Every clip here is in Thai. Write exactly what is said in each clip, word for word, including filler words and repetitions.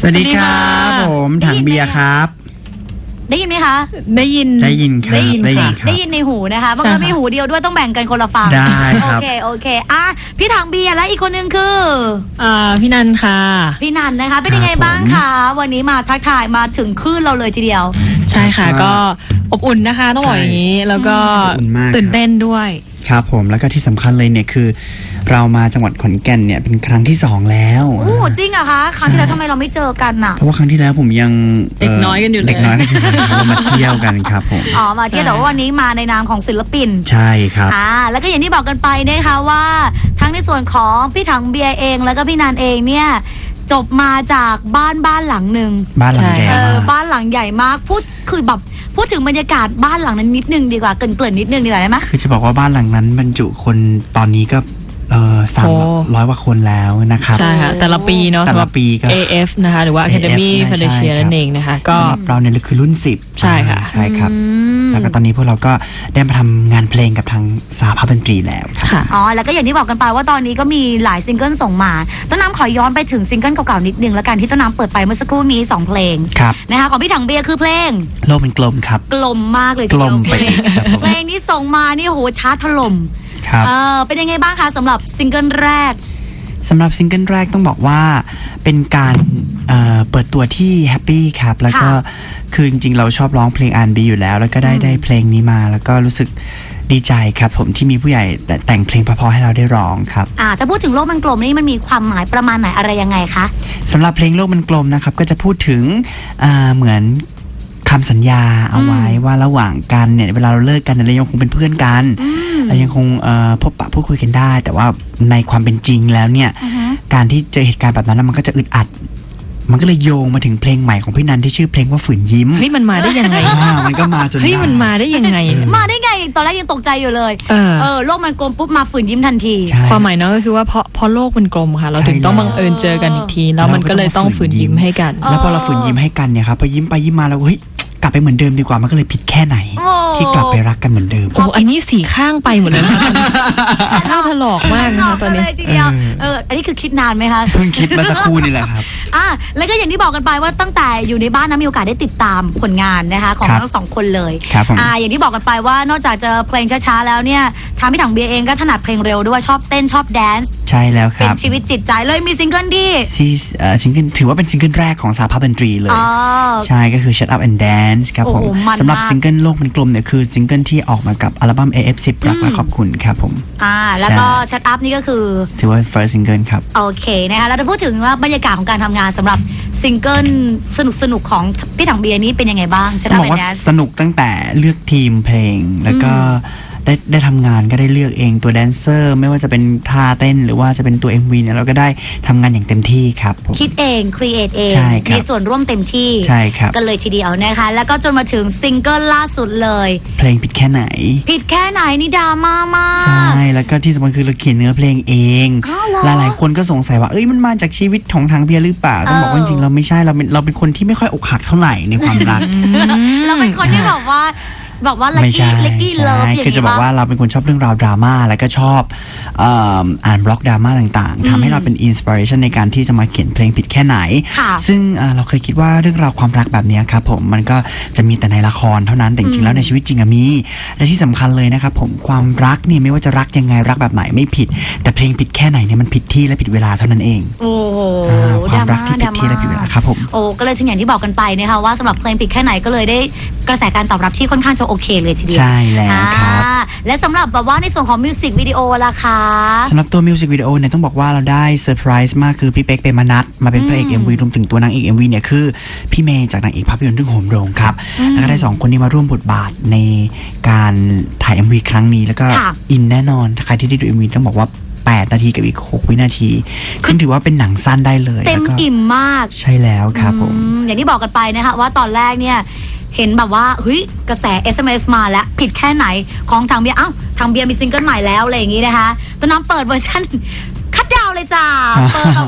สวัสดีครับผมถังเบียร์ครับได้ยินไหมคะได้ยินได้ยินครับได้ยินได้ยินได้ยินในหูนะคะบางคนมีหูเดียวด้วยต้องแบ่งกันคนละฟังได้ครับโอเคโอเคอ่ะพี่ถังเบียร์และอีกคนนึงคืออ่าพี่นันค่ะพี่นันนะคะเป็นยังไงบ้างคะวันนี้มาทักทายมาถึงคลื่นเราเลยทีเดียวใช่ค่ะก็อบอุ่นนะคะต้องบอกอย่างนี้แล้วก็ตื่นเต้นด้วยครับผมแล้วก็ที่สำคัญเลยเนี่ยคือเรามาจังหวัดขอนแก่นเนี่ยเป็นครั้งที่สองแล้วโอ้จริงเหรอคะครั้งที่แล้วทำไมเราไม่เจอกันน่ะเพราะว่าครั้งที่แล้วผมยังเด็กน้อยกันอยู่เลยเด็กน้อยกันอยู่เรามาเที่ยวกันครับผมอ๋อมาเที่ยวแต่ว่าวันนี้มาในนามของศิลปินใช่ครับอ่าแล้วก็อย่างที่บอกกันไปนะคะว่าทั้งในส่วนของพี่ถังเบียร์เองแล้วก็พี่นันเองเนี่ยจบมาจากบ้านบ้านหลังหนึ่งบ้านหลังใหญ่มากบ้านหลังใหญ่มากพูดคือแบบพูดถึงบรรยากาศบ้านหลังนั้นนิดนึงดีกว่าเกริ่นๆนิดนึงดีกว่าได้ไหมคือจะบอกว่าบ้านหลังนั้นบรรจุคนตอนนี้ก็เออสามร้อยกว่าคนแล้วนะครับใช่ค่ะแต่ละปีเนาะแต่ละปีก็เอ เอฟ นะคะหรือว่า Academy Fantasia นั่นเองนะคะก็สำหรับเราเนี่ยคือรุ่นสิบใช่ค่ะใช่ครับแล้วก็ตอนนี้พวกเราก็ได้มาทำงานเพลงกับทางสหภาพดนตรีแล้วค่ะอ๋อแล้วก็อย่างที่บอกกันไปว่าตอนนี้ก็มีหลายซิงเกิลส่งมาต้นน้ำขอย้อนไปถึงซิงเกิลเก่าๆนิดนึงแล้วกันที่ต้นน้ำเปิดไปเมื่อสักครู่นี้สองเพลงนะคะของพี่ถังเบียร์คือเพลงโลกเป็นกลมครับกลมมากเลยกลมไปเพลงนี้ส่งมานี่โหชาร์ตถล่มเออเป็นยังไงบ้างคะสำหรับซิงเกิลแรกสำหรับซิงเกิลแรกต้องบอกว่าเป็นการเเปิดตัวที่แฮปปี้ครับแล้วก็คือจริงๆเราชอบร้องเพลง อาร์ แอนด์ บี อยู่แล้วแล้วก็ได้ได้เพลงนี้มาแล้วก็รู้สึกดีใจครับผมที่มีผู้ใหญ่แต่งเพลงเพราะๆให้เราได้ร้องครับอ่าถ้าพูดถึงโลกมันกลมนี่มันมีความหมายประมาณไหนอะไรยังไงคะสำหรับเพลงโลกมันกลมนะครับก็จะพูดถึงเหมือนคำสัญญาเอาไว้ว่าระหว่างกันเนี่ยเวลาเราเลิกกันเรายังคงเป็นเพื่อนกันเรายังคงพบปะพูดคุยกันได้แต่ว่าในความเป็นจริงแล้วเนี่ยการที่เจอเหตุการณ์แบบนั้นมันก็จะอึดอัดมันก็เลยโยงมาถึงเพลงใหม่ของพี่นันที่ชื่อเพลงว่าฝืนยิ้มเฮ้ยมันมาได้ยังไงมันก็มาจนเฮ้ยมันมาได้ยังไงมาได้ไงตอนแรกยังตกใจอยู่เลยเออโลกมันกลมปุ๊บมาฝืนยิ้มทันทีความหมายเนาะก็คือว่าเพราะเพราะโลกมันกลมค่ะเราถึงต้องบังเอิญเจอกันอีกทีแล้วมันก็เลยต้องฝืนยิ้มให้กันแล้วพอเราฝืนยิ้มให้กันเนี่ยครับพอยิ้มไปยิ้มมาแล้วเฮ้ยกลับไปเหมือนเดิมดีกว่ามันก็เลยผิดแค่ไหนที่กลับไปรักกันเหมือนเดิมโอ้อันนี้สีข้างไปหมดเลยนะสีข้างถลอกมากนะคะตอนนี้ทีเดียวเอออันนี้คือคิดนานไหมคะเพิ่งคิดมาสักครู่นี่แหละครับอ่ะแล้วก็อย่างที่บอกกันไปว่าตั้งแต่อยู่ในบ้านนะมีโอกาสได้ติดตามผลงานนะคะของทั้งสองคนเลยอ่าอย่างที่บอกกันไปว่านอกจากจะเพลงช้าๆแล้วเนี่ยทางพี่ถังเบียร์เองก็ถนัดเพลงเร็วด้วยชอบเต้นชอบแดนซ์ใช่แล้วครับเป็นชีวิตจิตใจเลยมีซิงเกิลที่ซิงเกิลถือว่าเป็นซิงเกิลแรกของสหภาพดนตรีเลยใช่ก็คือ Shut Up and Dance ครับผมสำหรับซิงเกิลโลกมันกลมเนี่ยคือซิงเกิลที่ออกมากับอัลบั้ม เอ เอฟ สิบ รักและขอบคุณครับผมอ่าแล้วก็ Shut Up นี่ก็คือถือว่า first single ครับโอเคนะคะเราจะพูดถึงว่าบรรยากาศของการทำงานสำหรับซิงเกิลสนุกสนุกของพี่ถังเบียร์นี้เป็นยังไงบ้าง Shut Up and Dance สนุกตั้งแต่เลือกทีมเพลงแล้วก็ได้ได้ทำงานก็ได้เลือกเองตัวแดนเซอร์ไม่ว่าจะเป็นท่าเต้นหรือว่าจะเป็นตัว เอ็ม วี เนี่ยเราก็ได้ทำงานอย่างเต็มที่ครับคิดเองครีเอทเองมีส่วนร่วมเต็มที่ใช่ครับกันเลยทีเดียวนะคะแล้วก็จนมาถึงซิงเกิลล่าสุดเลยเพลงผิดแค่ไหนผิดแค่ไหนนี่ดราม่ามากใช่แล้วก็ที่สำคัญคือเราเขียนเนื้อเพลงเองหลายหลายคนก็สงสัยว่าเอ้ยมันมาจากชีวิตของทางเบียร์หรือเปล่าต้องบอกว่าจริงๆเราไม่ใช่เราเป็นเราเป็นคนที่ไม่ค่อยอกหักเท่าไหร่ในความรักเราเป็นคนที่แบบว่าบอกว่าลักกี้ลักกี้เลิฟอย่างนี้คือจะบอกว่าเราเป็นคนชอบเรื่องราวดราม่าแล้วก็ชอบอ่านบล็อกดราม่าต่างๆทำให้เราเป็นอินสปิเรชันในการที่จะมาเขียนเพลงผิดแค่ไหนซึ่งเราเคยคิดว่าเรื่องราวความรักแบบนี้ครับผมมันก็จะมีแต่ในละครเท่านั้นแต่จริงๆแล้วในชีวิตจริงมีและที่สำคัญเลยนะครับผมความรักเนี่ยไม่ว่าจะรักยังไงรักแบบไหนไม่ผิดแต่เพลงผิดแค่ไหนเนี่ยมันผิดที่และผิดเวลาเท่านั้นเองโอ้ความรักที่ผิดที่และผิดเวลาครับผมโอ้ก็เลยถึงอย่างที่บอกกันไปนะคะว่าสำหรับเพลงผิดแค่ไหนก็เลยได้กระแสการตอบรับที่ค่อนข้างจะโอเคเลยทีเดียวใช่แล้วครับและสำหรับแบบว่าในส่วนของมิวสิกวิดีโอล่ะคะสำหรับตัวมิวสิกวิดีโอเนี่ยต้องบอกว่าเราได้เซอร์ไพรส์มากคือพี่เป๊กเปรมนัทมาเป็นพระเอก เอ็ม วี รวมถึงตัวนางเอก เอ็ม วี เนี่ยคือพี่เมย์จากนางเอกภาพยนตร์เรื่องโหมโรงครับแล้วก็ได้สองคนนี้มาร่วมบทบาทในการถ่าย เอ็ม วี ครั้งนี้แล้วก็อินแน่นอนใครที่ได้ดู เอ็ม วี ต้องบอกว่าแปดนาทีกับอีกหกวินาทีซึ่งถือว่าเป็นหนังสั้นได้เลยเต็มอิ่มมากใช่แล้วครับผมอย่างที่บอกกันไปนะคะว่าตอนแรกเนี่ยเห็นแบบว่าเฮ้ยกระแส เอส เอ็ม เอส มาแล้วผิดแค่ไหนของทางเบียร์อ้าวทางเบียร์มีซิงเกิลใหม่แล้วอะไรอย่างงี้นะคะตอนนั้นเปิดเวอร์ชันคัดดาวเลยจ้าเปิดแบบว่า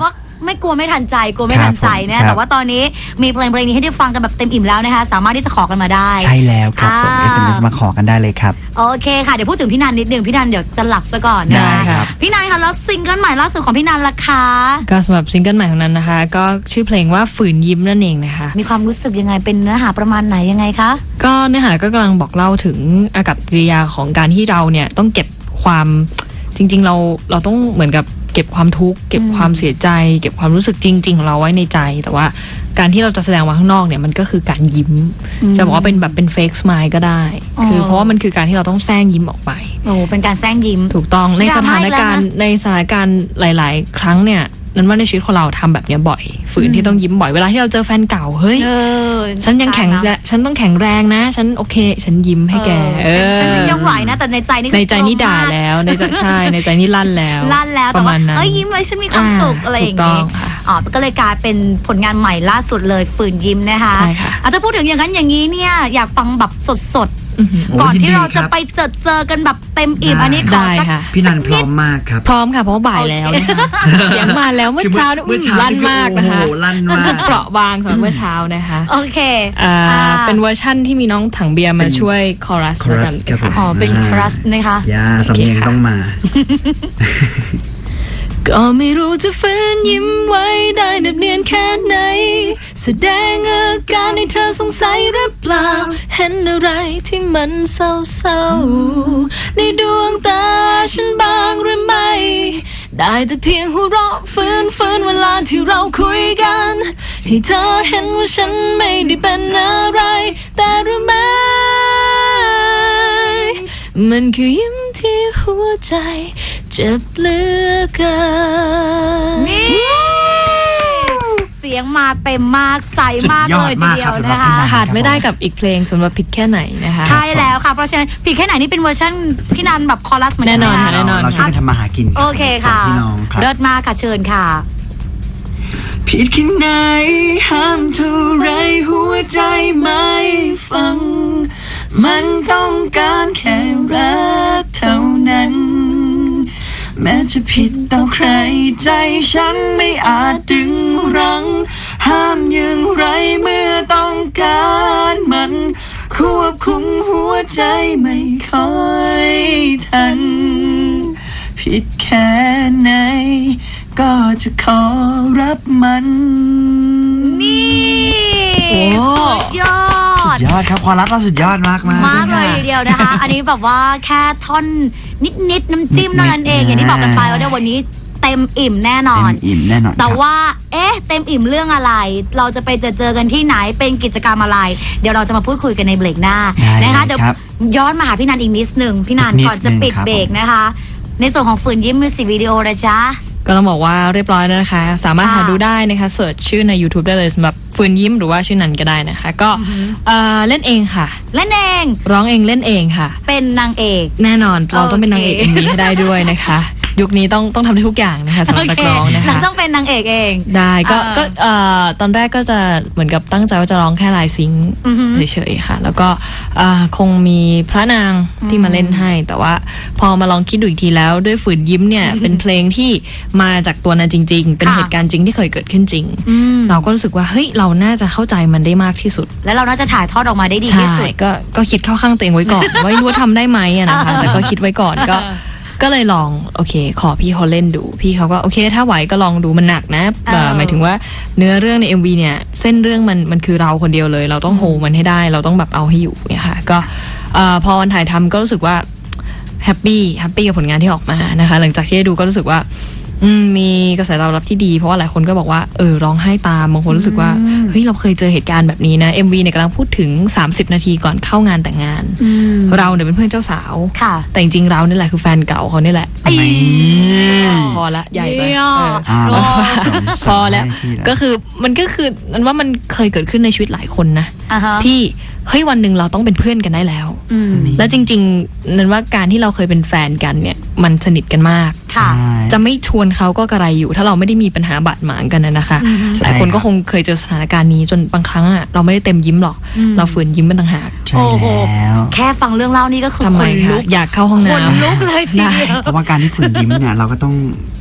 ไม่กลัวไม่ทันใจกลัวไม่ทันใจนะแต่ว่าตอนนี้มีเพลงเพลงนี้ให้ได้ฟังกันแบบเต็มอิ่มแล้วนะคะสามารถที่จะขอกันมาได้ใช่แล้วครับส่ง เอส เอ็ม เอส มาขอกันได้เลยครับโอเคค่ะเดี๋ยวพูดถึงพี่นันนิดนึงพี่นันเดี๋ยวจะหลับซะก่อนนะพี่นันคะแล้วซิงเกิลใหม่ล่าสุดของพี่นันล่ะคะก็สำหรับซิงเกิลใหม่ของนั้นนะคะก็ชื่อเพลงว่าฝืนยิ้มนั่นเองนะคะมีความรู้สึกยังไงเป็นเนื้อหาประมาณไหนยังไงคะก็เนื้อหาก็กำลังบอกเล่าถึงอากัปกิริยาของการที่เราเนี่ยต้องเก็บความจริงๆเราเราต้องเหมือนกับเก็บความทุกข์เก็บความเสียใจเก็บความรู้สึกจริงๆของเราไว้ในใจแต่ว่าการที่เราจะแสดงมาข้างนอกเนี่ยมันก็คือการยิ้มจะบอกว่าเป็นแบบเป็นเฟกสไมล์ก็ได้คือเพราะว่ามันคือการที่เราต้องแซงยิ้มออกไปโอ้เป็นการแซงยิ้มถูกต้องในสถานการณ์ในสถานการณ์หลายๆครั้งเนี่ยนั้นว่าในชีวิตของเราทำแบบนี้บ่อยฝืนที่ต้องยิ้มบ่อยเวลาที่เราเจอแฟนเก่าเฮ้ยฉันยังแข็งฉันต้องแข็งแรงนะฉันโอเคฉันยิ้มให้แกฉันยังไหวนะแต่ในใจนี่ในใจนี่ด่าแล้วในใจใช่ในใจนี่ลั่นแล้วลั่นแล้วแต่ว่าเอ้ยยิ้มไว้ฉันมีความสุขอะไรอย่างงี้อ๋อก็เลยกลายเป็นผลงานใหม่ล่าสุดเลยฝืนยิ้มนะคะอาจจะพูดถึงอย่างนั้นอย่างนี้เนี่ยอยากฟังแบบสดก่อนที่เราจะไปเจอเจอกันแบบเต็มอิ่มอันนี้ขอสักพี่นันพร้อมมากครับพร้อมค่ะเพราะว่าบ่ายแล้วนะคะเสียงมาแล้วเมื่อเช้าลั่นมากนะคะรู้สึกเปราะบางสำหรับเมื่อเช้านะคะโอเคเป็นเวอร์ชั่นที่มีน้องถังเบียร์มาช่วยคอรัสกันอ๋อเป็นคอรัสนะคะยาสำเนียงต้องมาก็ไม่รู้จะฝืนยิ้มไว้ได้เนียนแค่ไหนแสดงอาการให้เธอสงสัยหรือเปล่าเห็นอะไรที่มันเศร้าๆในดวงตาฉันบ้างหรือไม่ได้แต่เพียงหัวเราะฝืนฝืนเวลาที่เราคุยกันให้เธอเห็นว่าฉันไม่ได้เป็นอะไรแต่รู้ไหมมันคือยิ้มที่หัวใจเจ็บเหลือเกินนี่เสียงมาเต็มมากใสมากเลยทีเดียวนะคะขาดไม่ได้กับอีกเพลงสำหรับผิดแค่ไหนนะคะใช่แล้วค่ะเพราะฉะนั้นผิดแค่ไหนนี่เป็นเวอร์ชันพี่นันแบบคอรัสเหมือนกันแน่นอนค่ะแน่นอนเราช่วยกันทำมาหากินโอเคค่ะเลิศมากค่ะเชิญค่ะผิดแค่ไหนห้ามเท่าไรหัวใจไม่ฟังมันต้องการแค่รักเท่านั้นแม้จะผิดต่อใครใจฉันไม่อาจดึงรั้งห้ามอย่างไรเมื่อต้องการมันควบคุมหัวใจไม่ค่อยทันผิดแค่ไหนก็จะขอรับมันนี่สุดยอดสุดยอดครับความรักเราสุดยอดมากมากมากเลยทีเดียวนะคะอันนี้แบบว่าแค่ท่อนนิดๆน้ำจิ้มเท่านั้นเองอย่างที่บอกกันไปว่าในวันนี้เต็มอิ่มแน่นอนเต็มอิ่มแน่นอนแต่ว่าเอ๊ะเต็มอิ่มเรื่องอะไรเราจะไปเจอเจอกันที่ไหนเป็นกิจกรรมอะไรเดี๋ยวเราจะมาพูดคุยกันในเบรกหน้านะคะเดี๋ยวย้อนมาหาพี่นันอีกนิดนึงพี่นันก่อนจะปิดเบรกนะคะในส่วนของฝืนยิ้มมิวสิกวิดีโอนะจ๊ะก็ต้องบอกว่าเรียบร้อยแล้วนะคะสามารถหาดูได้นะคะเสิร์ชชื่อใน YouTube ได้เลยสำหรับฝืนยิ้มหรือว่าชื่อนันก็ได้นะคะก็เล่นเองค่ะเล่นเองร้องเองเล่นเองค่ะเป็นนางเอกแน่นอนเราต้องเป็นนางเอก เอ็ม วี ให้ได้ด้วยนะคะยุคนี้ต้องต้องทำได้ทุกอย่างนะคะสำหรับนักร้องนะคะเราต้องเป็นนางเอกเองได้ก็ก็ตอนแรกก็จะเหมือนกับตั้งใจว่าจะร้องแค่ลายซิงค์เฉยๆค่ะแล้วก็คงมีพระนางที่มาเล่นให้แต่ว่าพอมาลองคิดดูอีกทีแล้วด้วยฝืนยิ้มเนี่ยเป็นเพลงที่มาจากตัวนั้นจริงๆเป็นเหตุการณ์จริงที่เคยเกิดขึ้นจริงเราก็รู้สึกว่าเฮ้ยเราน่าจะเข้าใจมันได้มากที่สุดและเราน่าจะถ่ายทอดออกมาได้ดีที่สุดก็ก็คิดเข้าข้างตัวเองไว้ก่อนว่ารู้ว่าทำได้ไหมนะคะแต่ก็คิดไว้ก่อนก็ก็เลยลองโอเคขอพี่เขาเล่นดูพี่เขาก็โอเคถ้าไหวก็ลองดูมันหนักนะหมายถึงว่าเนื้อเรื่องใน เอ็ม วี เนี่ยเส้นเรื่องมันมันคือเราคนเดียวเลยเราต้องโฮมันให้ได้เราต้องแบบเอาให้อยู่เนี่ยค่ะก็พอวันถ่ายทำก็รู้สึกว่าแฮปปี้แฮปปี้กับผลงานที่ออกมานะคะหลังจากที่ได้ดูก็รู้สึกว่ามีกระแสตอบรับที่ดีเพราะว่าหลายคนก็บอกว่าเออร้องไห้ตามบางคนรู้สึกว่าเฮ้ยเราเคยเจอเหตุการณ์แบบนี้นะ เอ็ม วี เนี่ยกำลังพูดถึงสามสิบนาทีก่อนเข้างานแต่งงานเราเนี่ยเป็นเพื่อนเจ้าสาวแต่จริงๆเรานี่แหละคือแฟนเก่าเขานี่แหละพอละใหญ่ไปพอแล้วก็คือมันก็คือนั้นว่ามันเคยเกิดขึ้นในชีวิตหลายคนนะที่เฮ้ยวันหนึ่งเราต้องเป็นเพื่อนกันได้แล้วแล้วจริงๆนั้นว่าการที่เราเคยเป็นแฟนกันเนี่ยมันสนิทกันมากจะไม่ชวนเขาก็กระไรอยู่ถ้าเราไม่ได้มีปัญหาบาดหมางกันนะคะหลายคนก็คงเคยเจอสถานการณ์นี้จนบางครั้งอ่ะเราไม่ได้เต็มยิ้มหรอกเราฝืนยิ้มมันต่างหากโอ้โหแค่ฟังเรื่องเล่านี่ก็คือทำไมคะอยากเข้าห้องน้ำคนลุกเลยทีเดียวเพราะว่าการที่ฝืนยิ้มเนี่ยเราก็ต้อง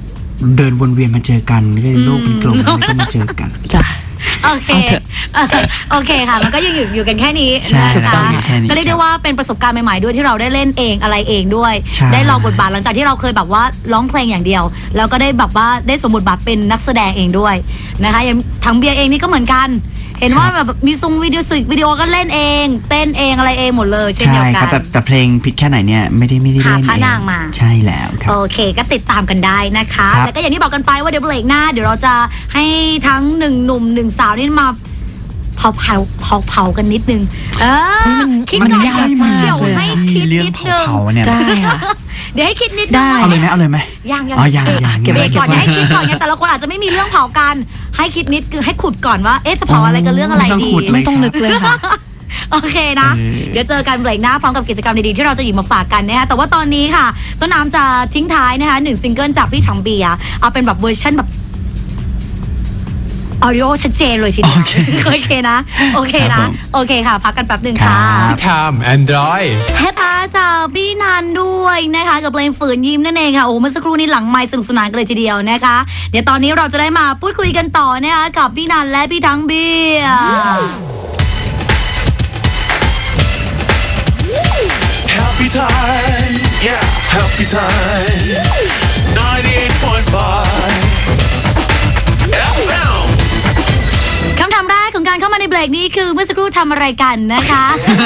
เดินวนเวียนมาเจอกันไม่ได้โลกเป็นกลมแล้วก็มาเจอกันจ้ะโอเคเอาเถอะเออโอเคค่ะ มันก็ยังอยู่อยู่กันแค่นี้ใช่นะครัคะบอยู่แค่นี้ก็เรียกได้ว่าเป็นประสบการณ์ใหม่ๆด้วยที่เราได้เล่นเองอะไรเองด้วยใช่ได้ลองบทบาทหลังจากที่เราเคยแบบว่าร้องเพลงอย่างเดียว แล้วก็ได้แบบว่าได้สมบทบาทเป็นนักแสดงเองด้วยนะคะอย่างทางเบียร์เองนี่ก็เหมือนกัน เห็นว่าแบบมีซุงวิดีโอสิวิดีโอก็เล่นเอง เต้นเองอะไรเองหมดเลยเช่นใช่เดียวคกัรับแต่นแต่เพลงผิดแค่ไหนเนี่ยไม่ได้ไม่ได้เล่นหาพระเองนางมาใช่แล้วครับโอเคก็ติดตามกันได้นะคะครับแล้วก็อย่างที่บอกกันไปว่าเดี๋ยวเบรกหน้าเดี๋ยวเราจะให้ทั้งหนึ่งหนุ่มหนึ่งสาวนี่มาเผาเผาเผาเผากันนิดนึงเออคิดมันก่อนยากมากเดี๋ยวเลยให้คิดเรื่องนิดเผานึงเผาๆเนี่ยได้ค่ะเดี๋ยวให้คิดนิดนึงได้เอาเลยไหมเอาเลยไหมยังยังอ๋อยังเอ๊ะยังเก็บไว้เก็บก่อนไว้ให้คิดก่อนไงแต่ละคนอาจจะไม่มีเรื่องเผากันให้คิดนิดคือให้ขุดก่อนว่าเอ๊ะจะเผาอะไรกันเรื่องอะไรไม่ต้องดีขุดเลยไม่ต้องนึกเลยค่ะโอเคนะเออเดี๋ยวเจอกันเบรกหน้าพร้อมกับกิจกรรมดีๆที่เราจะหยิบมาฝากกันนะคะแต่ว่าตอนนี้ค่ะ ต้นน้ำจะทิ้งท้ายนะคะหนึ่งซิงเกิลจากพี่ถังเบียร์เอาเป็นแบบเวอร์ชันแบบออดิโอชัดเจนเลยทีเดียวโอเคนะ โอเคครันะบผมโอเคค่ะ พักกันแป๊บหนึ่งครัค่ะบพี่ทามแอนดรอยแฮปปี้จากพี่นันด้วยนะคะกับเพลงฝืนยิ้มนั่นเองค่ะโอ้เมื่อสักครู่นี้หลังไมค์สนุกสนานกันเลยทีเดียวนะคะ เดี๋ยวตอนนี้เราจะได้มาพูดคุยกันต่อนะคะกับพี่นันและพี่ถังเบียร์ Happy time, yeah, happy time. ninety-eight point five เอฟ เอ็มคำถามแรกของการเข้ามาในเบรกนี้คือเมื่อสักครู่ทำอะไรกันนะคะ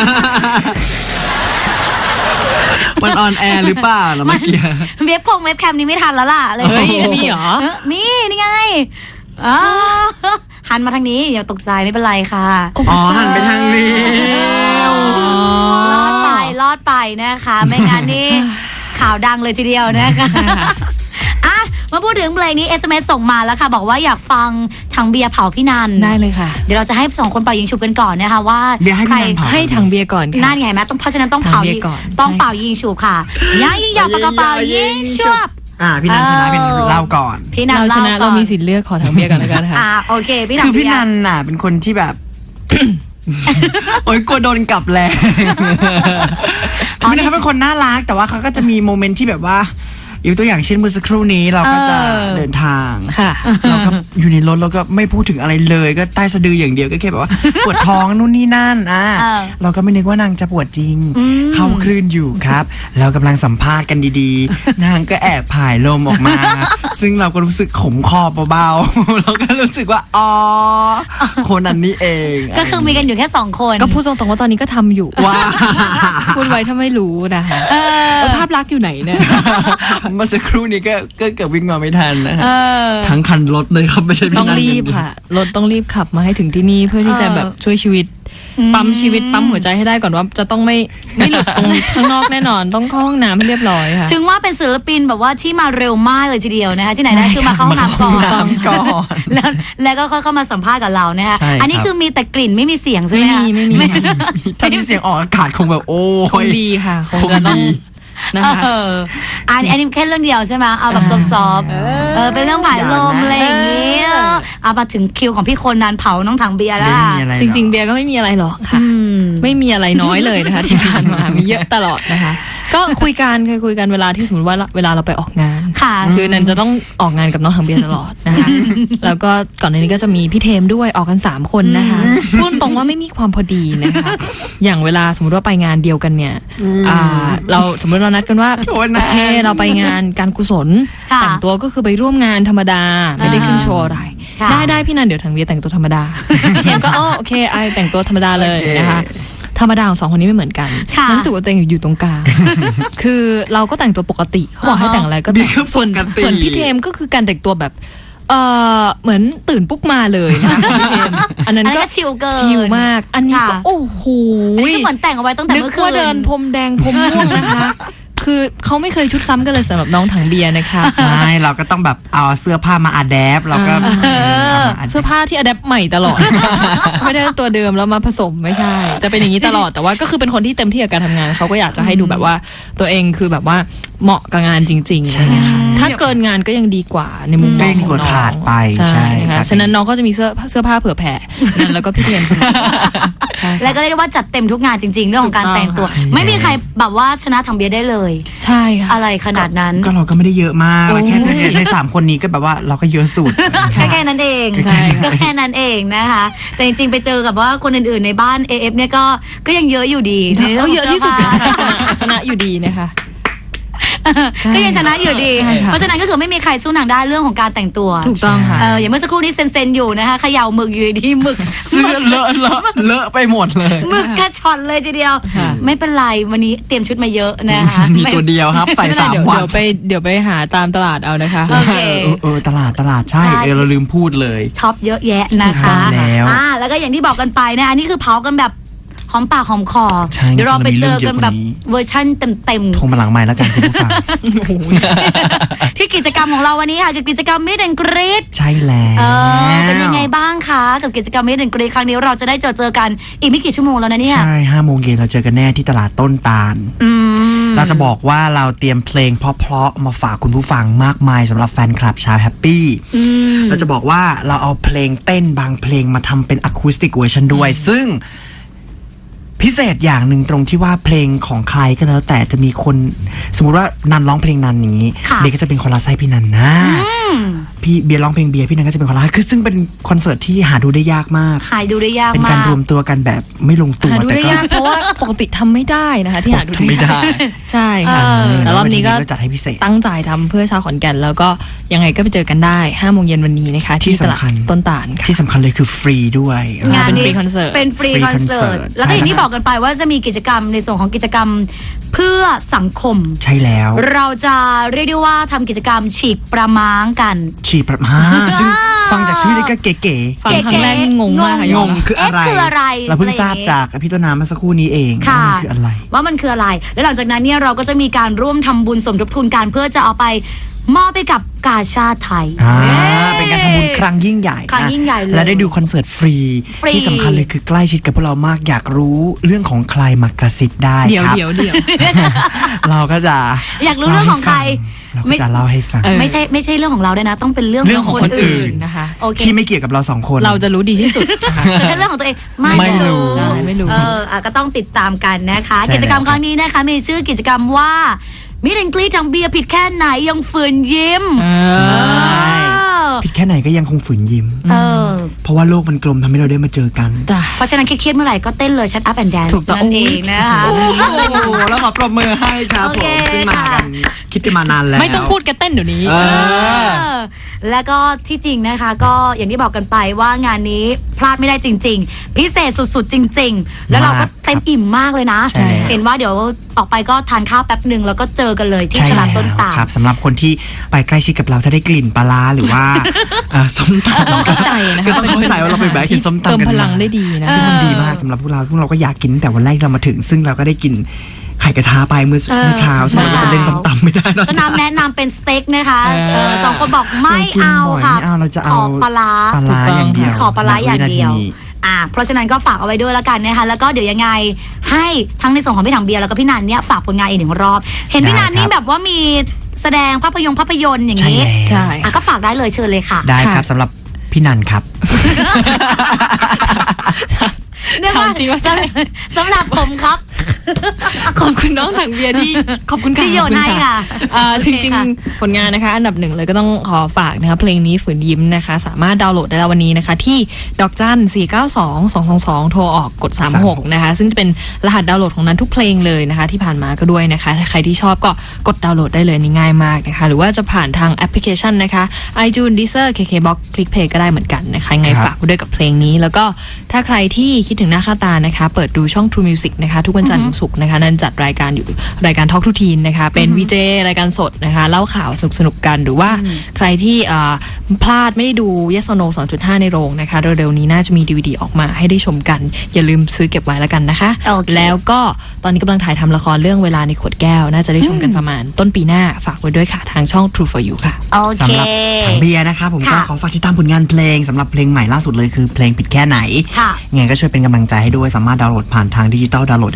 มันออนแอร์หรือเปล่าล่ะเมื่อกี้เว็บคงเว็บแคมนี้ไม่ทันแล้วล่ะเลยเฮ้ยมีเหรอเออมีนี่ไงอ๋อหันมาทางนี้อย่าตกใจไม่เป็นไรค่ะอ๋อหันไปทางนี้รอดไปรอดไปนะคะ ไม่งั้นนี่ ข่าวดังเลยทีเดียวนะคะอ่ะมาพูดถึงเพลงนี้ เอส เอ็ม เอส ส่งมาแล้วค่ะ บอกว่าอยากฟังถังเบียร์เผาพี่นันได้เลยค่ะเดี๋ยวเราจะให้สองคนเป่ายิงฉุบกันก่อนนะคะว่าเบียร์ให้พี่นันเผาให้ทางเบียร์ก่อนค่ะนั่นไงแม่ต้องเพราะฉะนั้นต้องทางเผาเบียยิร์งก่อนต้องใช่เป่ายิงฉุบค่ะย่างยิงยาวปากกระเป๋ายิงฉุบอ่าพี่นันชนะเป็นเล่าก่อนพี่นันเราชเล่านะก่เราอนมีสิทธิ์เลือกขอทางเบียร์ก่อนแล้วกันค่ะอ่าโอเคพี่นันคือพี่นันน่ะเป็นคนที่แบบ โอ๊ยกลัวโดนกลับแรงพี่นันเขาเป็นคนน่ารักแต่ว่าเขาก็จะมีโมเมนต์ที่แบบว่าอยู่ตัวอย่างเช่นเมื่อสักครู่นี้เราก็จะเดินทางค่ะเราก็อยู่ในรถเราก็ไม่พูดถึงอะไรเลยก็ใต้สะดืออย่างเดียวก็แค่แบบว่า ปวดท้องนู่นนี่นั่นอ่ะเราก็ไม่นึกว่านางจะปวดจริง เข้าคลื่นอยู่ครับ เรากำลังสัมภาษณ์กันดีๆ นางก็แอบผายลมออกมา ซึ่งเราก็รู้สึกขมคอเบาๆ เราก็รู้สึกว่าอ๋อคนนั้นนี่เองก็คือมีกันอยู่แค่สองคนก็พูดตรงๆว่าตอนนี้ก็ทำอยู่ว้าพูดไว้ถ้าไม่รู้นะคะเออภาพลักษณ์อยู่ไหนเนี่ยเมื่อสักครู่นี้ก็ก็เกือบวิ่งมาไม่ทันนะฮะเออทั้งคันรถเลยครับไม่ใช่พี่ต้องนันรีบค่ะรถต้องรีบขับมาให้ถึงที่นี่เพื่อที่จะแบบช่วยชีวิต ปั๊มชีวิตปั๊มหัวใจให้ได้ก่อนว่าจะต้องไม่ไม่หลุดตรงข้างนอกแน่นอนต้องเข้าห้องน้ำให้เรียบร้อยค่ะถึงว่าเป็นศิลปินแบบว่าที่มาเร็วมากเลยทีเดียวนะคะที่ไหนได้คือมาเข้าห้องน้ำก่อนน้ำก่อนแล้วแล้วก็ค่อยเข้ามาสัมภาษณ์กับเรานะคะใช่ครับอันนี้คือมีแต่กลิ่นไม่มีเสียงใช่ไหมไม่คะมีไม่มีค่ะถ้ามีเสียงออกอากาศคงแบบโอ้คงยดีค่ะคงคงจะต้องดีนะคะเอออันอันนี้แค่เรื่องเดียวใช่ไหมเอาแบบซอฟต์ๆเออเป็นเรื่องผายลมอะไรอย่างเงี้ยเอามาถึงคิวของพี่คนนั้นเผาน้องถังเบียร์แล้วไม่ค่ะมีอะไรหจอกริง ๆ เบียร์ก็ไม่มีอะไรหรอกค่ะอืมไม่มีอะไรน้อยเลยนะคะ ที่ผ่านมามีเยอะตลอดนะคะ ก็คุยกันเคยคุยกันเวลาที่สมมติว่าเวลาเราไปออกงานค่ะคือนันจะต้องออกงานกับน้องถังเบียร์ตลอดนะคะ แล้วก็ก่อนหน้านี้ก็จะมีพี่เทมด้วยออกกันสามคนนะคะพูดตรงว่าไม่มีความพอดีนะคะ อย่างเวลาสมมติว่าไปงานเดียวกันเนี่ยอ่าเราสมมติเรานัดกันว่าโทษนะโอเคเราไปงานการกุศลค่ะแต่งตัวก็คือไปร่วมงานธรรมดาไม่ได้ขึ้นโชว์อะไรค่ะได้ได้พี่นันเดี๋ยวถังเบียร์แต่งตัวธรรมดาพี่เทมก็อ๋อโอเคไอแต่งตัวธรรมดาเลยนะคะ ธรรมดาของสองคนนี้ไม่เหมือนกันค่ะรู้สึกว่าตัวเองอยู่ตรงกลาง คือเราก็แต่งตัวปกติเขาบอกให้แต่งอะไรก็แต่งนี่ก็ส่วนปกติส่วนพี่เทมก็คือการแต่งตัวแบบเออเหมือนตื่นปุ๊บมาเลยนะคะ พี่เทมอันนั้นอันนั้นก็ก็ชิลเกินชิลมาก อันนี้ก็ค่ะโอ้โหอันนี้ก็เหมือนแต่งเอาไว้ตั้งแต่นึกเมื่อคืนว่าเดินพรมแดงพรมม่วงนะคะ คือเขาไม่เคยชุดซ้ำกันเลยสำหรับน้องถังเบียร์นะคะไม่เราก็ต้องแบบเอาเสื้อผ้ามาอัดแอปเราก็อ่าเอามา adapt เสื้อผ้าที่อัดแอปใหม่ตลอด ไม่ได้ตัวเดิมแล้วมาผสมไม่ใช่ จะเป็นอย่างนี้ตลอดแต่ว่าก็คือเป็นคนที่เต็มที่กับการทำงานเขาก็อยากจะให้ดูแบบว่าตัวเองคือแบบว่าเหมาะกับงานจริงๆใช่ค่ะถ้าเกินงานก็ยังดีกว่าในมุมมองของก็ยังดีกว่าน้องขาดไปใช่ใช่นะครัคะบฉะนั้นน้องก็จะมีเสื้อเสื้อผ้าเผื่อแผ่นั่นแล้วก็พี่เทียมใช่ค่ะแล้วก็เรียกได้ว่าจัดเต็มทุกงานจริงๆเรื่องของการแต่งตัวถูกต้องค่ะไม่มีใครแบบว่าชนะทางเบียร์ได้เลยใช่ค่ะอะไรขนาดนั้นก็เราก็ไม่ได้เยอะมากโอ้แค่ในในสามคนนี้ก็แบบว่าเราก็เยอะสุดแค่แค่นั้นเองใช่ค่ะก็แค่นั้นเองนะคะ แต่จริงๆไปเจอกับว่าคนอื่นๆในบ้าน เอ เอฟ เนี่ยก็ก็ยังเยอะอยู่ดีในรื่เอางขงเยอะที่สุดสื้นะผ้าคะชนะชนะอยู่ดีนะคะ ใช่ก็ยังชนะอยู่ดีใช่ค่ะเพราะฉะนั้นก็คือไม่มีใครสู้นางได้เรื่องของการแต่งตัวถูกต้องค่ะเอออย่างเมื่อสักครู่นี้เซนๆอยู่นะคะเขย่าหมึกอยู่ดีๆหมึกเสื้อเลอะเลอะเลอะไปหมดเลยหมึกกระชอนเลยทีเดียวค่ะไม่เป็นไรวันนี้เตรียมชุดมาเยอะนะคะมีตัวเดียวครับใส่ไม่เป็นไรสามเดี๋ยววันเดี๋ยวไปเดี๋ยวไปหาตามตลาดเอานะคะโอเคเออเออตลาดตลาดใช่ใช่เออเราลืมพูดเลยช็อปเยอะแยะนะถูกต้คะองแล้วอ่าแล้วก็อย่างที่บอกกันไปนะอันนี้คือเผากันแบบหอมปากหอมคอใช่เดี๋ยวเราไปเจอกันแบบจริงๆมันมีเรื่องเยอะกว่านี้เวอร์ชั่นเต็มโทรมาหลังไม้แล้วกันคุณผู้ฟังๆ ที่กิจกรรมของเราวันนี้ค่ะคือกิจกรรม Meet and Greet ใช่แล้วเออเป็นยังไงบ้างคะกับกิจกรรม Meet and Greet ครั้งนี้เราจะได้เจอเจอกันอีกไม่กี่ชั่วโมงแล้วนะเนี่ยใช่ห้าโมงเย็นเราเจอกันแน่ที่ตลาดต้นตาลอืมเราจะบอกว่าเราเตรียมเพลงเพราะๆมาฝากคุณผู้ฟังมากมายสำหรับแฟนคลับชาวแฮปปี้อืมเราจะบอกว่าเราเอาเพลงเต้นบางเพลงมาทำเป็นอะคูสติกเวอร์ชันด้วย ซึ่งพิเศษอย่างหนึ่งตรงที่ว่าเพลงของใครก็แล้วแต่จะมีคนสมมุติว่านันร้องเพลงนันอย่างนี้ค่ะเบียร์ก็จะเป็นคนละไส้พี่นันนะอืมพี่เบียร์ร้องเพลงเบียร์พี่นันก็จะเป็นคนละคือซึ่งเป็นคอนเสิร์ตที่หาดูได้ยากมากหายดูได้ยากเป็นมาการกรวมตัวกันแบบไม่ลงตัวหาดูแต่ได้ก็ยากเพราะว่าปกติทำไม่ได้นะคะที่หาดูทำไม่ได้ใช่ค่ะเออแต่รอบนี้ก็จัดให้พิเศษตั้งใจทำเพื่อชาวขอนแก่นแล้วก็ยังไงก็ไปเจอกันได้ห้าโมงเย็นวันนี้นะคะที่ที่ตลาดสำคัญต้นตาลค่ะที่สำคัญเลยคือฟรีด้วยงานเป็นนี้ฟรีคอนเสิร์ตเป็นฟรีฟรีคอนเสิร์ตคอนเสิร์ตแล้วก็อย่างที่ใช่บอกกันไปว่าจะมีกิจกรรมในส่วนของกิจกรรมเพื่อสังคมใช่แล้วเราจะเรียกได้ว่าทำกิจกรรมฉีกประม้างกันฉีดประมาซึ่งฟังจากชื่อนี่ก็เก๋ฟังครั้งแรกนี่งงมากค่ะๆยงอมงรับคืออะไรเอ๊ะคืออะไรเราเพิ่งทราบอะไรอย่างงี้จากพี่ต้นน้ำเมื่อสักครู่นี้เองค่ะว่ามันคืออะไรว่ามันคืออะไร แล้วหลังจากนั้นเนี่ยเราก็จะมีการร่วมทำบุญสมทบทุนกันเพื่อจะเอาไปมอบไปกับกาชาติไทยอ่าเย้เป็นการทำบุญครั้งยิ่งใหญ่ครั้งยิ่งใหญ่เลยและได้ดูคอนเสิร์ตฟรีฟรีที่สำคัญเลยคือใกล้ชิดกับพวกเรามากอยากรู้เรื่องของใครมากระซิบได้เดี๋ยวครับเดี๋ยวเดี๋ยวเราก็จะอยากรู้เรื่องของใครเราก็จะเล่าให้ฟังเออไม่ใช่ไม่ใช่เรื่องของเราด้วยนะ ต้องเป็นเรื่องเรื่องของคนอื่นนะคะโอเคที่ไม่เกี่ยวกับเราสองคนเราจะรู้ดีที่สุดนะคะแต่ถ้าเรื่องของตัวเองไม่ไม่รู้ใช่ไม่รู้เอออ่ะก็ต้องติดตามกันนะคะใช่กิจกรรมแล้วครั้งนี้นะคะมีชื่อกิจกรรมว่ามิเรนกรีทางเบียร์ผิดแค่ไหนยังฝืนยิ้มเออใช่ ผิดแค่ไหนก็ยังคงฝืนยิ้มเออเพราะว่าโลกมันกลมทำให้เราได้มาเจอกันจ้ะเพราะฉะนั้นเครียดๆเมื่อไหร่ก็เต้นเลย Shut Up and Dance ถูกต้องนั่นเองนะคะโอ้โหแล้วขอปรบมือให้ครับโอผเคมซึ่งมาค่ะกันคิดกันมานานแล้วไม่ต้องพูดกันเต้นเดี๋ยวนี้เออเออแล้วก็ที่จริงนะคะ ก็อย่างที่บอกกันไปว่างานนี้พลาดไม่ได้จริง ๆ พิเศษสุดๆ จริง ๆ แล้วเราก็เต็มอิ่มมากเลยนะใช่แล้วเห็นว่าเดี๋ยวออกไปก็ทานข้าวแป๊บหนึ่งแล้วก็เจอกันเลยที่ใช่ตลาดแล้วต้นตาลครับสำหรับคนที่ไปใกล้ชิดกับเราถ้าได้กลิ่นปลาร้าหรือว่าเอ่อส้มตำต้องเข้าใจนะคะก็ต้องเข้าใจว่าเราไปแวะกินส้มตำเติมกันพลังได้ดีนะซึ่งมันดีมากสำหรับพวกเราพวกเราก็อยากกินตั้งแต่วันแรกเรามาถึง ซึ่งเราก็ได้กินไข่กระทะไปเมื่อเออเมื่อเช้าซึ่งเราเช้าจะเล่นส้มตำไม่ได้แล้วก็น้ำแนะนำเป็นสเต็กนะคะเออเออสองคนบอกไม่ยกกินเอาบ่ยค่ะไม่เอาเราจะขเอาอปลาร้าปลาร้าอย่างเดียวขอปลาร้าอย่างเดียวณวินาทีนี้อ่า เพราะฉะนั้นก็ฝากเอาไว้ด้วยแล้วกันนะคะ แล้วก็เดี๋ยวยังไงให้ทั้งในส่วนของพี่ถังเบียร์แล้วก็พี่นันเนี่ยฝากผลงานอีกหนึ่งรอบ เห็นพี่นันนี่แบบว่ามีแสดงภาพยนตร์ภาพยนตร์อย่างใช่นี้แล้วใช่อ่ะก็ฝากได้เลยเชิญเลยค่ะได้ครับสำหรับพี่นันครับเนื่องว่าถามจริงว่าสำสำหรับผมครับขอบคุณน้องถังเบียร์ที่ขอบคุณค่ะที่โยนให้ค่ะเอ่อโอจเคริงค่ะๆ ผลงานนะคะ อันดับหนึ่งเลยก็ต้องขอฝากนะคะเพลงนี้ฝืนยิ้มนะคะ สามารถดาวน์โหลดได้แล้ววันนี้นะคะ ที่ดอกจันสี่เก้าสองสองสองสองโทรออกกดสามหกนะคะซึ่งจะเป็นรหัสดาวน์โหลดของนั้นทุกเพลงเลยนะคะ ที่ผ่านมาก็ด้วยนะคะถ้าใครที่ชอบก็กดดาวน์โหลดได้เลยนี่ง่ายมากนะคะหรือว่าจะผ่านทางแอปพลิเคชันนะคะ iTunes Deezer เค เค Box ClickPlay ก็ได้เหมือนกันนะคะยังไงครับฝากไว้ด้วยกับเพลงนี้ แล้วก็ถ้าใครที่คิดถึงหน้าค่าตานะคะเปิดดูช่อง True Music นะคะทุกวันจันทร์ถึงศุกร์นะคะนั่นจัดรายการอยู่รายการ Talk to Teen นะคะเป็นวีเจรายการสดนะคะเล่าข่าวสนุกๆกันหรือว่าใครที่เอ่อพลาดไม่ได้ดู Yes or No สองจุดห้า ในโรงนะคะเร็วๆนี้น่าจะมี ดี วี ดี ออกมาให้ได้ชมกัน อย่าลืมซื้อเก็บไว้แล้วกันนะคะโอเคแล้วก็ตอนนี้กำลังถ่ายทำละครเรื่องเวลาในขวดแก้ว น่าจะได้ชมกันประมาณต้นปีหน้าฝากไว้ด้วยค่ะทางช่อง True for You ค่ะโอเคสำหรับถังเบียร์นะครับผมก็ค่ะขอฝากติดตามผลงานเพลงสำหรับเพลงใหม่ล่าสุดเลยคือเพลงผิดแค่ไหนค่ะยังไงก็ช่วยเป็นกำลังใจให้ด้วยสามารถดาวน์โหลดผ่านทางดิจิตอลดาวน์โหลดได้แล้วที่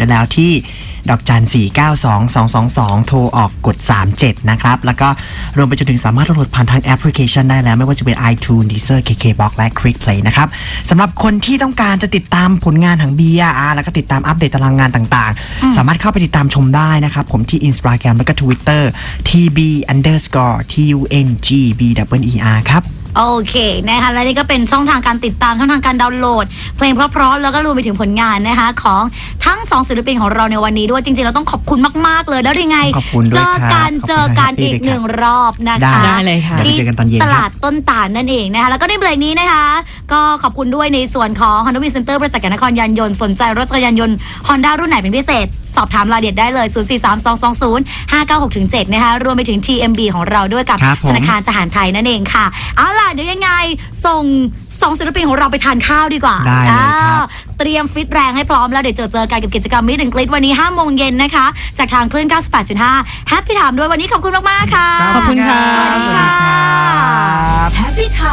ที่ดอกจันสี่เก้าสองสองสองสองโทรออกกดสามเจ็ดนะครับแล้วก็รวมไปจนถึงสามารถโหลดผ่านทางแอปพลิเคชันได้แล้วไม่ว่าจะเป็น iTunes Deezer เค เค บ็อกซ์ และ Click Play นะครับสำหรับคนที่ต้องการจะติดตามผลงานของเบียร์อ่าแล้วก็ติดตามอัปเดตตารางงานต่างๆสามารถเข้าไปติดตามชมได้นะครับผมที่ Instagram แล้วก็ Twitter ที บี underscore ที ยู เอ็น จี บี ดับเบิล อี อาร์ ครับโอเคนะคะและนี่ก็เป็นช่องทางการติดตามช่องทางการดาวน์โหลดเพลงเพราะๆแล้วก็รวมไปถึงผลงานนะคะของทั้งสองศิลปินของเราในวันนี้ด้วยจริงๆเราต้องขอบคุณมากๆเลยแล้วยังไงเจอกันเจอกันอีกหนึ่งรอบนะคะได้เลยค่ะที่ตลาดต้นตาลนั่นเองนะคะแล้วก็ในเบรกนี้นะคะก็ขอบคุณด้วยในส่วนของ Honda Win Center บริษัทยานครยานยนต์สนใจรถจักรยานยนต์ Honda รุ่นไหนเป็นพิเศษสอบถามรายละเอียดได้เลย ศูนย์ สี่ สาม สอง สอง ศูนย์ ห้า เก้า หก เจ็ด นะคะรวมไปถึง ที เอ็ม บี ของเราด้วยกับธนาคารทหารไทยนั่นเองค่ะเอาล่ะเดี๋ยวยังไงส่งสองศิลปินของเราไปทานข้าวดีกว่าได้เลยครับเตรียมฟิตแรงให้พร้อมแล้วเดี๋ยวเจอเจอกันกับกิจกรรมมิดแอนด์กลิดวันนี้ห้าโมงเย็นนะคะจากทางคลื่น เก้าสิบแปดจุดห้า แฮปปี้ไทม์ด้วยวันนี้ขอบคุณมากๆค่ะขอบคุณค่ะสวัสดีค่ะ